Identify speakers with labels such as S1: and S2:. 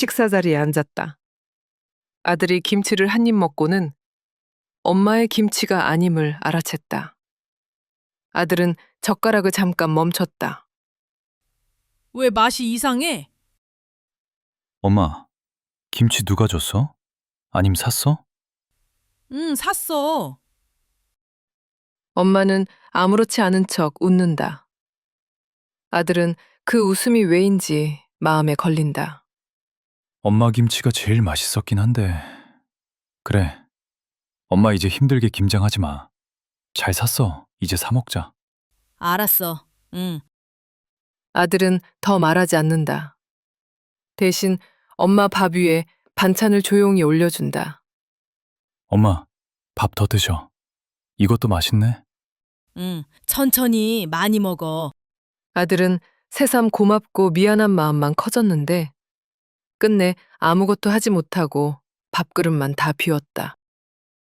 S1: 식사 자리에 앉았다. 아들이 김치를 한 입 먹고는 엄마의 김치가 아님을 알아챘다. 아들은 젓가락을 잠깐 멈췄다.
S2: 왜 맛이 이상해?
S3: 엄마, 김치 누가 줬어? 아님 샀어?
S2: 응, 샀어.
S1: 엄마는 아무렇지 않은 척 웃는다. 아들은 그 웃음이 왜인지 마음에 걸린다.
S3: 엄마 김치가 제일 맛있었긴 한데. 그래. 엄마 이제 힘들게 김장하지 마. 잘 샀어. 이제 사 먹자.
S2: 알았어. 응.
S1: 아들은 더 말하지 않는다. 대신 엄마 밥 위에 반찬을 조용히 올려준다.
S3: 엄마, 밥 더 드셔. 이것도 맛있네.
S2: 응. 천천히 많이 먹어.
S1: 아들은 새삼 고맙고 미안한 마음만 커졌는데 끝내 아무것도 하지 못하고 밥그릇만 다 비웠다.